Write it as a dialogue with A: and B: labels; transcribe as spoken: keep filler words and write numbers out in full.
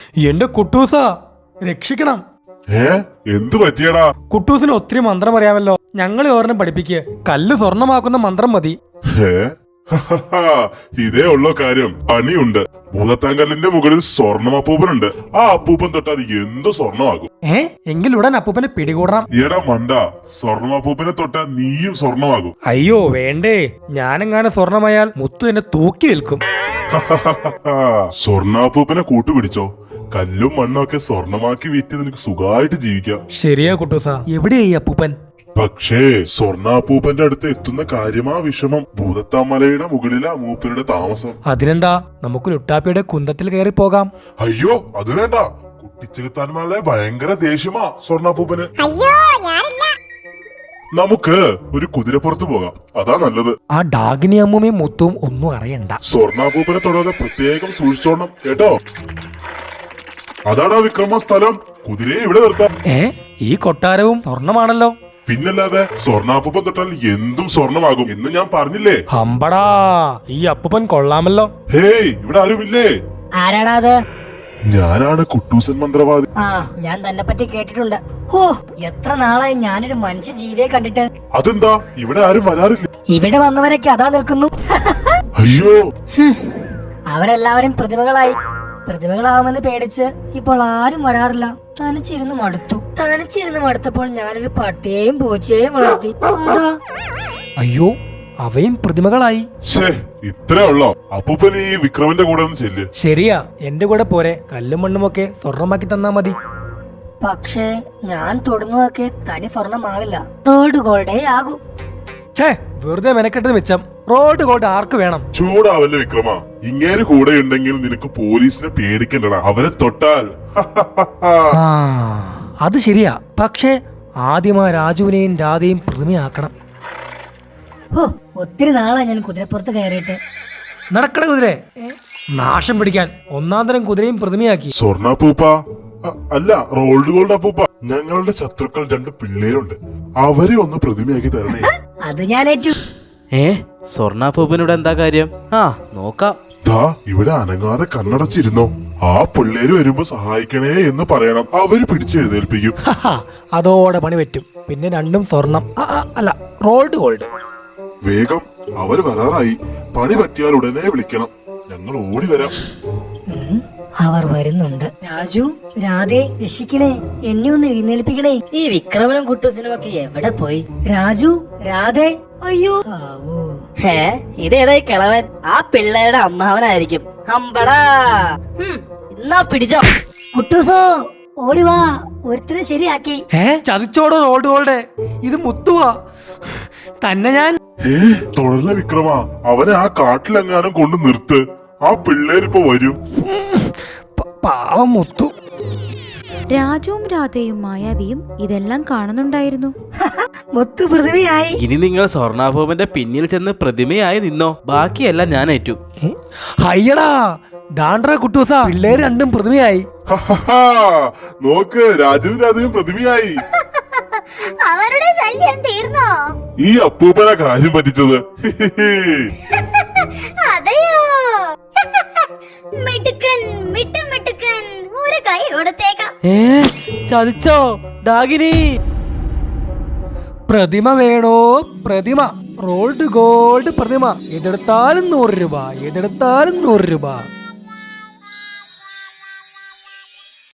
A: എന്റെ കുട്ടൂസ രക്ഷിക്കണം.
B: ഏ എന്തു പറ്റിയടാ?
A: കുട്ടൂസിന് ഒത്തിരി മന്ത്രം അറിയാമല്ലോ, ഞങ്ങൾ ഓർണം പഠിപ്പിക്കുക. കല്ല് സ്വർണമാക്കുന്ന മന്ത്രം മതി.
B: ഏ ഇതേ ഉള്ളോ കാര്യം? പണിയുണ്ട്. ഭൂതത്താങ്കല്ലിന്റെ മുകളിൽ സ്വർണം അപ്പൂപ്പനുണ്ട്. ആ അപ്പൂപ്പൻ തൊട്ടാൽ എന്ത് സ്വർണമാകും.
A: ഏ എങ്കിൽ ഉടൻ അപ്പൂപ്പനെ പിടികൂടണം.
B: എടാ മണ്ട, സ്വർണം അപ്പൂപ്പനെ തൊട്ടാൽ നീയും സ്വർണമാകും.
A: അയ്യോ വേണ്ടേ, ഞാനെങ്ങാനും സ്വർണമായാൽ മുത്തു എന്നെ തൂക്കി വിൽക്കും.
B: സ്വർണ്ണാപ്പൂപ്പനെ കൂട്ടുപിടിച്ചോ. കല്ലും മണ്ണും ഒക്കെ സ്വർണമാക്കി വിറ്റ് നിനക്ക് സുഖമായിട്ട് ജീവിക്കാം.
A: ശരിയാ കുട്ടൂസ. എവിടെയായി അപ്പൂപ്പൻ?
B: പക്ഷേ സ്വർണ്ണാപ്പൂപ്പന്റെ അടുത്ത് എത്തുന്ന കാര്യമാ വിഷമം. ഭൂതത്താമലയുടെ മുകളിലാ മൂപ്പരുടെ താമസം.
A: അതിനെന്താ, നമുക്ക് ലുട്ടാപ്പിയുടെ കുന്തത്തിൽ കയറി പോകാം.
B: അയ്യോ അത് വേണ്ട. കുട്ടിച്ചെലുത്താന്മാരുടെ ഭയങ്കര ദേഷ്യമാ സ്വർണ്ണാപ്പൂപ്പന്.
C: അയ്യോ ഞാനില്ല.
B: നമുക്ക് ഒരു കുതിരപ്പുറത്ത് പോകാം, അതാ നല്ലത്.
A: ആ ഡാഗിനി അമ്മൂമ്മയും മുത്തും ഒന്നും അറിയണ്ട.
B: സ്വർണ്ണാപ്പൂപ്പനെ തൊടാതെ പ്രത്യേകം സൂക്ഷിച്ചോണം കേട്ടോ. അതാടാ വിക്രമ സ്ഥലം. കുതിരയെ ഇവിടെ നിർത്താം.
A: ഏ ഈ കൊട്ടാരവും സ്വർണമാണല്ലോ.
B: പിന്നല്ലാതെ സ്വർണ്ണാപ്പൂപ്പൻ തൊട്ടാൽ എന്തും സ്വർണമാകും എന്ന് ഞാൻ പറഞ്ഞില്ലേ.
A: ഹമ്പടാ, ഈ അപ്പൂപ്പൻ കൊള്ളാമല്ലോ.
B: ഹേയ് ഇവിടെ ആരുമില്ലേ?
D: ആരാടാ അത്?
B: ഞാനാണ് കുട്ടൂസൻ മന്ത്രവാദി.
D: ആ ഞാൻ തന്നെ പറ്റി കേട്ടിട്ടുണ്ട്. ഓ എത്ര നാളായി ഞാനൊരു മനുഷ്യ ജീവിയെ കണ്ടിട്ട്.
B: അതെന്താ ഇവിടെ ആരും വരാറില്ല?
D: ഇവിടെ വന്നവരൊക്കെ അതാ നിൽക്കുന്നു.
B: അയ്യോ
D: അവരെല്ലാവരും പ്രതിമകളായി. പ്രതിമകളാവുമെന്ന് പേടിച്ച് ഇപ്പോൾ ആരും വരാറില്ല. തനിച്ചിരുന്ന് മടുത്തു. തനിച്ചിരുന്ന് മടുത്തപ്പോൾ ഞാനൊരു പട്ടിയെയും പൂച്ചയെയും വളർത്തി. അതാ.
A: അയ്യോ അവയും പ്രതിമകളായി.
B: ഛേ ഇത്രേ ഉള്ളോ? അപ്പൂപ്പൻ ഈ വിക്രമന്റെ കൂടെ ഒന്ന് ചെല്ല്.
A: ശരിയാ, എന്റെ കൂടെ പോരെ. കല്ലും മണ്ണുമൊക്കെ സ്വർണമാക്കി തന്നാ മതി.
D: പക്ഷേ ഞാൻ തൊടുന്നതൊക്കെ തനി സ്വർണമാവില്ല, റോഡ് ഗോൾഡേ ആകൂ.
A: ഛേ വെറുതെ മെനക്കെട്ടത് മിച്ചം. റോഡ് ഗോൾഡ് ആർക്ക് വേണം?
B: ചൂടാവല്ലേ വിക്രമ. ഇങ്ങേര് കൂടെ ഉണ്ടെങ്കിൽ നിനക്ക് പോലീസിനെ പേടിക്കണ്ടടാ. അവരെ തൊട്ടാൽ
A: ആ അത് ശരിയാ. പക്ഷേ ആദ്യം ആ രാജുവിനെയും രാധയും പ്രതിമയാക്കണം.
D: ഓ ഒത്തിരി നാളായി ഞാൻ കുതിരപ്പുറത്ത് കയറിയിട്ട്.
A: നടക്കട കുതിരെ. നാശം പിടിക്കാൻ ഒന്നാം തരം കുതിരയും പ്രതിമയാക്കി.
B: സ്വർണ്ണാപ്പൂപ്പ അല്ല, റോൾഡ് ഗോൾഡ് അപ്പൂപ്പ. ഞങ്ങളുടെ ശത്രുക്കൾ രണ്ട് പിള്ളേരുണ്ട്, അവരെ ഒന്ന് പ്രതിമയാക്കി തരണേ.
D: അത് ഞാൻ ഏറ്റു.
E: ഏ സ്വർണ്ണാപ്പൂപ്പനോട് എന്താ കാര്യം? ആ നോക്കാം.
B: ദാ ഇവിടെ അനങ്ങാതെ കണ്ണടച്ചിരുന്നോ. ആ പിള്ളേര് വരുമ്പോ സഹായിക്കണേ എന്ന് പറയണം. അവര് പിടിച്ചെഴുന്നേൽപ്പിക്കും.
A: അതോടെ പണി പറ്റും. പിന്നെ രണ്ടും സ്വർണം. ആ, ആ, അല്ല റോൾഡ് ഗോൾഡ്.
B: വേഗം, അവര് വരാറായി. പണി പറ്റിയാൽ ഉടനെ വിളിക്കണം, ഞങ്ങൾ ഓടി വരാം.
D: അവർ വരുന്നുണ്ട്. രാജു, രാധേ, രക്ഷിക്കണേ, എന്നെ ഒന്ന് എഴുന്നേൽപ്പിക്കണേ. ഈ വിക്രമനും കുട്ടൂസിനും ഒക്കെ എവിടെ പോയി? രാജു, രാധേ, അയ്യോ. ഹേ ഇതേതായി കിളവൻ? ആ പിള്ളേരുടെ അമ്മാവനായിരിക്കും. അമ്പടാ, എന്നാ പിടിച്ചോ. കുട്ടൂസോ ഓടിവാ, ഒരുത്തരെ ശരിയാക്കി.
A: ഏ ചതിച്ചോടോ റോൾഡ് ഗോൾഡ്. ഇത് മുത്തുവാ തന്നെ. ഞാൻ
B: ഏ തുടർന്ന വിക്രമ, അവനെ ആ കാട്ടിലെങ്ങാനും കൊണ്ട് നിർത്ത്. ആ പിള്ളേരിപ്പോ വരും.
A: പാവം മുത്തു.
F: രാജുവും രാധയും മായാവിയും ഇതെല്ലാം കാണുന്നുണ്ടായിരുന്നു.
D: മുത്തു പ്രതിമയായി.
E: ഇനി നിങ്ങൾ സ്വർണ്ണാഭൂപന്റെ പിന്നിൽ ചെന്ന് പ്രതിമയായി നിന്നോ, ബാക്കിയെല്ലാം ഞാൻ ഏറ്റു.
A: ഹയ്യടാ ദാണ്ട്ര കുട്ടൂസ, പിള്ളേര് രണ്ടും പ്രതിമയായി.
B: നോക്ക്, രാജുവും രാധയും പ്രതിമയായി.
C: അവരുടെ ശല്യം തീർന്നോ?
B: ഈ അപ്പൂപ്പന കാര്യം പറ്റിച്ചത്.
C: അതെയോ? മിടുക്കൻ, മിട്ടു മിടുക്കൻ. ഒരു കൈ കൊടുത്തേക്കാം.
E: ഏ ചതിച്ചോ ഡാഗിനി?
A: പ്രതിമ വേണോ? പ്രതിമ, റോൾഡ് ഗോൾഡ് പ്രതിമ. എതെടുത്താലും നൂറ് രൂപ, എതെടുത്താലും നൂറ് രൂപ.